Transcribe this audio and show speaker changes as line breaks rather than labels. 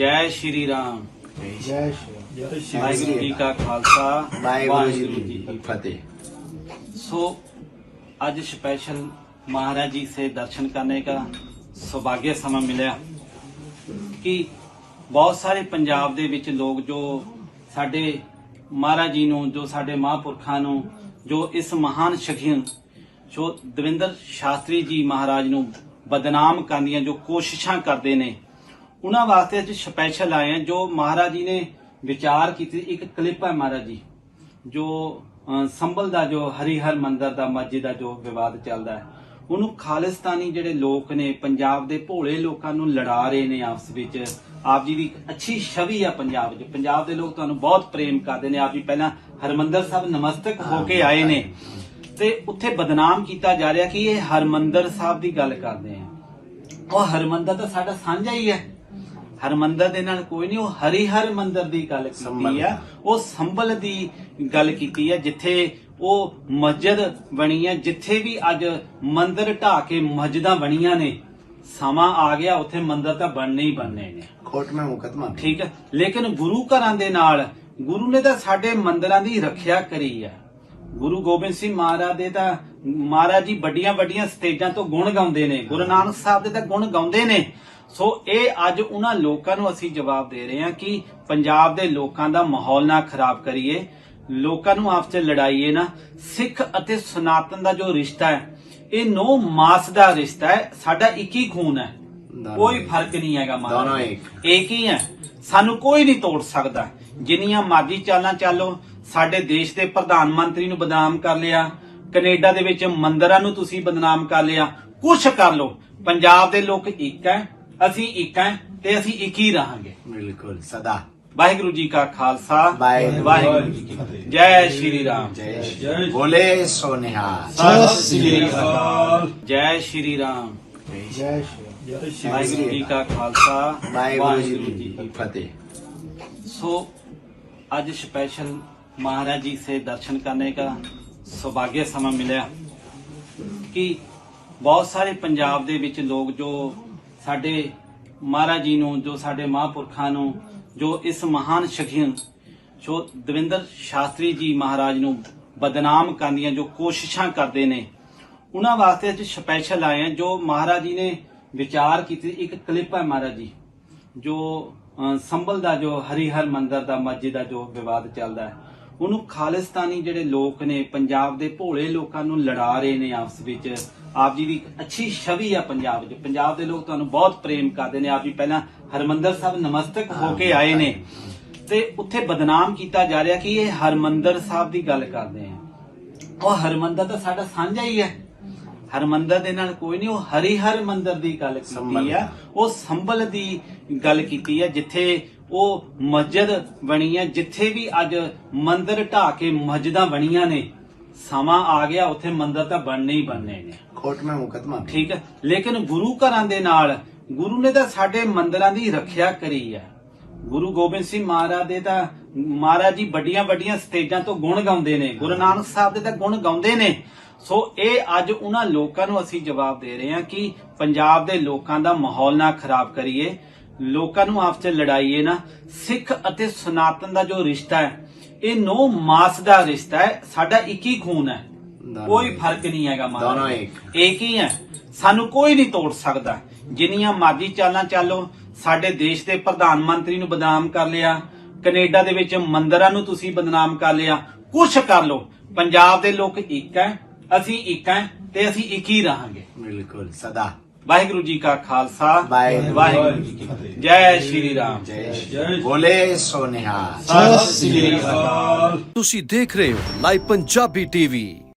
ਜੈ ਸ਼੍ਰੀ ਰਾਮ।
ਜੈ ਸ਼੍ਰੀ
ਵਾਹਿਗੁਰੂ ਜੀ ਕਾ ਖਾਲਸਾ
ਵਾਹਿਗੁਰੂ ਜੀ ਕੀ फतेह।
सो आज स्पेशल महाराज जी से दर्शन करने का सौभाग्य समय मिला कि बहुत सारे पंजाब ਦੇ ਵਿੱਚ ਲੋਕ ਜੋ ਸਾਡੇ ਮਹਾਰਾਜ ਜੀ ਨੂੰ ਜੋ ਸਾਡੇ ਮਹਾਂਪੁਰਖਾਂ ਨੂੰ ਜੋ ਇਸ ਮਹਾਨ ਸ਼ਖੀਅਤ ਜੋ ਦਵਿੰਦਰ ਸ਼ਾਸਤਰੀ ਜੀ ਮਹਾਰਾਜ ਨੂੰ ਬਦਨਾਮ ਕਰਨ ਦੀਆਂ ਜੋ ਕੋਸ਼ਿਸ਼ਾਂ ਕਰਦੇ ਨੇ ਉਹਨਾਂ ਵਾਸਤੇ ਅੱਜ ਸਪੈਸ਼ਲ ਆਏ ਆ। ਜੋ ਮਹਾਰਾਜ ਜੀ ਨੇ ਵਿਚਾਰ ਕੀਤੀ ਇੱਕ ਕਲਿੱਪ ਹੈ ਮਹਾਰਾਜ ਜੀ ਜੋ ਸੰਭਲ ਦਾ ਜੋ ਹਰੀਹਰ ਮੰਦਰ ਦਾ ਮਸਜਿਦ ਦਾ ਜੋ ਵਿਵਾਦ ਚੱਲਦਾ ਹੈ ਉਹਨੂੰ ਖਾਲਿਸਤਾਨੀ ਜਿਹੜੇ ਲੋਕ ਨੇ ਪੰਜਾਬ ਦੇ ਭੋਲੇ ਲੋਕਾਂ ਨੂੰ ਲੜਾ ਰਹੇ ਨੇ ਆਪਸ ਵਿੱਚ। ਆਪ ਜੀ ਦੀ ਅੱਛੀ ਛਵੀ ਆ ਪੰਜਾਬ 'ਚ, ਪੰਜਾਬ ਦੇ ਲੋਕ ਤੁਹਾਨੂੰ ਬਹੁਤ ਪ੍ਰੇਮ ਕਰਦੇ ਨੇ। ਆਪ ਜੀ ਪਹਿਲਾਂ ਹਰਮੰਦਰ ਸਾਹਿਬ ਨਮਸਤਕ ਹੋ ਕੇ ਆਏ ਨੇ ਤੇ ਉੱਥੇ ਬਦਨਾਮ ਕੀਤਾ ਜਾ ਰਿਹਾ ਕਿ ਇਹ ਹਰਮੰਦਰ ਸਾਹਿਬ ਦੀ ਗੱਲ ਕਰਦੇ ਆ। ਉਹ ਹਰਮੰਦਰ ਤਾਂ ਸਾਡਾ ਸਾਂਝਾ ਹੀ ਹੈ, ਹਰਮੰਦਰ ਦੇ ਨਾਲ ਕੋਈ ਨਹੀਂ। ਉਹ ਹਰੀਹਰ ਮੰਦਰ ਦੀ ਗੱਲ ਕੀਤੀ ਆ, ਉਹ ਸੰਭਲ ਦੀ ਗੱਲ ਕੀਤੀ ਹੈ ਜਿੱਥੇ ਉਹ ਮਸਜਿਦ ਬਣੀ ਹੈ, ਜਿੱਥੇ ਵੀ ਅੱਜ ਮੰਦਰ ਢਾਹ ਕੇ ਮਸਜਿਦਾਂ ਬਣੀਆਂ ਨੇ। ਸਮਾਂ ਆ ਗਿਆ ਉੱਥੇ ਮੰਦਰ ਤਾਂ ਬਣਨੇ ਹੀ ਬਣਨੇ ਨੇ,
ਕੋਰਟ में मुकदमा।
ਠੀਕ ਹੈ। ਲੇਕਿਨ ਗੁਰੂ ਘਰਾਂ ਦੇ ਨਾਲ ਗੁਰੂ ਨੇ ਤਾਂ ਸਾਡੇ ਮੰਦਰਾਂ ਦੀ ਰੱਖਿਆ ਕਰੀ ਹੈ। ਗੁਰੂ ਗੋਬਿੰਦ ਸਿੰਘ ਮਹਾਰਾਜ ਦੇ ਤਾਂ ਮਹਾਰਾਜ ਜੀ ਵੱਡੀਆਂ ਵੱਡੀਆਂ ਸਟੇਜਾਂ ਤੋਂ ਗੁਣ ਗਾਉਂਦੇ ਨੇ, ਗੁਰੂ ਨਾਨਕ ਸਾਹਿਬ ਦੇ ਤਾਂ ਗੁਣ ਗਾਉਂਦੇ ਨੇ। ਸੋ ਇਹ ਅੱਜ ਉਹਨਾਂ ਲੋਕਾਂ ਨੂੰ ਅਸੀਂ ਜਵਾਬ ਦੇ ਰਹੇ ਹਾਂ ਕਿ ਪੰਜਾਬ ਦੇ ਲੋਕਾਂ ਦਾ ਮਾਹੌਲ ਨਾ ਖਰਾਬ ਕਰੀਏ, ਲੋਕਾਂ ਨੂੰ ਆਪਸ ਵਿੱਚ ਲੜਾਈਏ ਨਾ। ਸਿੱਖ ਅਤੇ ਸਨਾਤਨ ਦਾ ਜੋ ਰਿਸ਼ਤਾ ਹੈ ਇਹ ਨੋ ਮਾਸ ਦਾ ਰਿਸ਼ਤਾ ਹੈ, ਸਾਡਾ ਇੱਕ ਹੀ ਖੂਨ ਹੈ, ਕੋਈ ਫਰਕ ਨਹੀਂ ਹੈਗਾ।
ਦੋਨੋਂ
ਇੱਕ ਹੀ ਹੈ, ਸਾਨੂੰ ਕੋਈ ਨਹੀਂ ਤੋੜ ਸਕਦਾ। ਜਿੰਨੀਆਂ ਮਰਜ਼ੀ ਚਾਲਾਂ ਚਾਲੋ, ਸਾਡੇ ਦੇਸ਼ ਦੇ ਪ੍ਰਧਾਨ ਮੰਤਰੀ ਨੂੰ ਬਦਨਾਮ ਕਰ ਲਿਆ, ਕੈਨੇਡਾ ਦੇ ਵਿੱਚ ਮੰਦਰਾਂ ਨੂੰ ਤੁਸੀਂ ਬਦਨਾਮ ਕਰ ਲਿਆ, ਕੁਛ ਕਰ ਲੋ, ਪੰਜਾਬ ਦੇ ਲੋਕ ਇੱਕ ਹੈ, ਅਸੀਂ ਇੱਕ ਹੈ ਤੇ ਅਸੀਂ ਇੱਕ ਹੀ ਰਹਾਂਗੇ।
बिल्कुल सदा।
ਵਾਹਿਗੁਰੂ ਜੀ ਕਾ ਖਾਲਸਾ
ਵਾਹਿਗੁਰੂ
ਜੀ ਕੀ ਫਤਿਹ। ਜੈ ਸ਼੍ਰੀ ਰਾਮ।
जय श्री बोले सोनिहार।
ਸਤਿ ਸ੍ਰੀ ਅਕਾਲ। ਜੈ ਸ਼੍ਰੀ ਰਾਮ।
जय श्री
ਵਾਹਿਗੁਰੂ ਜੀ ਕਾ ਖਾਲਸਾ
वाहिगुरु जी की फतेह।
सो आज स्पेशल महाराज जी से दर्शन करने का सौभाग्य समय मिला कि बहुत सारे पंजाब ਦੇ ਵਿੱਚ ਲੋਕ ਜੋ ਸਾਡੇ ਮਹਾਰਾਜ ਜੀ ਨੂੰ ਜੋ ਸਾਡੇ ਮਹਾਂਪੁਰਖਾਂ ਨੂੰ ਜੋ ਇਸ ਮਹਾਨ ਸ਼ਖੀਅਤ ਜੋ ਦਵਿੰਦਰ ਸ਼ਾਸਤਰੀ ਜੀ ਮਹਾਰਾਜ ਨੂੰ ਬਦਨਾਮ ਕਰਨ ਦੀਆਂ ਜੋ ਕੋਸ਼ਿਸ਼ਾਂ ਕਰਦੇ ਨੇ ਉਹਨਾਂ ਵਾਸਤੇ ਅੱਜ ਸਪੈਸ਼ਲ ਆਏ ਆ। ਜੋ ਮਹਾਰਾਜ ਜੀ ਨੇ ਵਿਚਾਰ ਕੀਤੀ ਇੱਕ ਕਲਿੱਪ ਹੈ ਮਹਾਰਾਜ ਜੀ ਜੋ ਸੰਭਲ ਦਾ ਜੋ ਹਰੀਹਰ ਮੰਦਰ ਦਾ ਮਸਜਿਦ ਦਾ ਜੋ ਵਿਵਾਦ ਚੱਲਦਾ ਹੈ ਉਹਨੂੰ ਖਾਲਿਸਤਾਨੀ ਜਿਹੜੇ ਲੋਕ ਨੇ ਪੰਜਾਬ ਦੇ ਭੋਲੇ ਲੋਕਾਂ ਨੂੰ ਲੜਾ ਰਹੇ ਨੇ ਆਪਸ ਵਿੱਚ। ਆਪ ਜੀ ਦੀ ਅੱਛੀ ਛਵੀ ਆ ਪੰਜਾਬ 'ਚ, ਪੰਜਾਬ ਦੇ ਲੋਕ ਤੁਹਾਨੂੰ ਬਹੁਤ ਪ੍ਰੇਮ ਕਰਦੇ ਨੇ। ਆਪ ਜੀ ਪਹਿਲਾਂ ਹਰਮੰਦਰ ਸਾਹਿਬ ਨਮਸਤਕ ਹੋ ਕੇ ਆਏ ਨੇ ਤੇ ਉੱਥੇ ਬਦਨਾਮ ਕੀਤਾ ਜਾ ਰਿਹਾ ਕਿ ਇਹ ਹਰਮੰਦਰ ਸਾਹਿਬ ਦੀ ਗੱਲ ਕਰਦੇ ਆ। ਉਹ ਹਰਮੰਦਰ ਤਾਂ ਸਾਡਾ ਸਾਂਝਾ ਹੀ ਹੈ, ਹਰਮੰਦਰ ਦੇ ਨਾਲ ਕੋਈ ਨਹੀਂ। ਉਹ ਹਰੀਹਰ ਮੰਦਰ ਦੀ ਗੱਲ ਕੀਤੀ ਆ, ਉਹ ਸੰਭਲ ਦੀ ਗੱਲ ਕੀਤੀ ਹੈ ਜਿੱਥੇ ਉਹ ਮਸਜਿਦ ਬਣੀ ਹੈ, ਜਿੱਥੇ ਵੀ ਅੱਜ ਮੰਦਰ ਢਾਹ ਕੇ ਮਸਜਿਦਾਂ ਬਣੀਆਂ ਨੇ। ਸਮਾਂ ਆ ਗਿਆ ਉੱਥੇ ਮੰਦਰ ਤਾਂ ਬਣਨੇ ਹੀ ਬਣਨੇ ਨੇ,
कोर्ट में मुकदमा।
ਠੀਕ ਹੈ। ਲੇਕਿਨ ਗੁਰੂ ਘਰਾਂ ਦੇ ਨਾਲ ਗੁਰੂ ਨੇ ਤਾਂ ਸਾਡੇ ਮੰਦਰਾਂ ਦੀ ਰੱਖਿਆ ਕਰੀ ਹੈ। ਗੁਰੂ ਗੋਬਿੰਦ ਸਿੰਘ ਮਹਾਰਾਜ ਦੇ ਤਾਂ ਮਹਾਰਾਜ ਜੀ ਵੱਡੀਆਂ ਵੱਡੀਆਂ ਸਟੇਜਾਂ ਤੋਂ ਗੁਣ ਗਾਉਂਦੇ ਨੇ, ਗੁਰੂ ਨਾਨਕ ਸਾਹਿਬ ਦੇ ਤਾਂ ਗੁਣ ਗਾਉਂਦੇ ਨੇ। ਸੋ ਇਹ ਅੱਜ ਉਹਨਾਂ ਲੋਕਾਂ ਨੂੰ ਅਸੀਂ ਜਵਾਬ ਦੇ ਰਹੇ ਹਾਂ ਕਿ ਪੰਜਾਬ ਦੇ ਲੋਕਾਂ ਦਾ ਮਾਹੌਲ ਨਾ ਖਰਾਬ ਕਰੀਏ, ਲੋਕਾਂ ਨੂੰ ਆਪਸ ਵਿੱਚ ਲੜਾਈਏ ਨਾ। ਸਿੱਖ ਅਤੇ ਸਨਾਤਨ ਦਾ ਜੋ ਰਿਸ਼ਤਾ ਹੈ ਇਹ ਨੋ ਮਾਸ ਦਾ ਰਿਸ਼ਤਾ ਹੈ, ਸਾਡਾ ਇੱਕ ਹੀ ਖੂਨ ਹੈ, ਕੋਈ ਫਰਕ ਨਹੀਂ ਹੈਗਾ।
ਦੋਨੋਂ
ਇੱਕ ਹੀ ਹੈ, ਸਾਨੂੰ ਕੋਈ ਨਹੀਂ ਤੋੜ ਸਕਦਾ। ਜਿੰਨੀਆਂ ਮਰਜ਼ੀ ਚਾਲਾਂ ਚਾਲੋ, ਸਾਡੇ ਦੇਸ਼ ਦੇ ਪ੍ਰਧਾਨ ਮੰਤਰੀ ਨੂੰ ਬਦਨਾਮ ਕਰ ਲਿਆ, ਕੈਨੇਡਾ ਦੇ ਵਿੱਚ ਮੰਦਰਾਂ ਨੂੰ ਤੁਸੀਂ ਬਦਨਾਮ ਕਰ ਲਿਆ, ਕੁਛ ਕਰ ਲੋ, ਪੰਜਾਬ ਦੇ ਲੋਕ ਇੱਕ ਹੈ, ਅਸੀਂ ਇੱਕ ਹੈ ਤੇ ਅਸੀਂ ਇੱਕ ਹੀ ਰਹਾਂਗੇ।
बिल्कुल सदा।
ਵਾਹਿਗੁਰੂ ਜੀ ਕਾ ਖਾਲਸਾ
ਵਾਹਿਗੁਰੂ
ਜੀ ਕੀ ਫਤਿਹ। ਜੈ ਸ਼੍ਰੀ ਰਾਮ।
जय श्री बोले सोनिहार।
ਸਤਿ ਸ੍ਰੀ ਅਕਾਲ।
ਤੁਸੀਂ ਦੇਖ ਰਹੇ ਹੋ ਲਾਈਵ ਪੰਜਾਬੀ ਟੀਵੀ।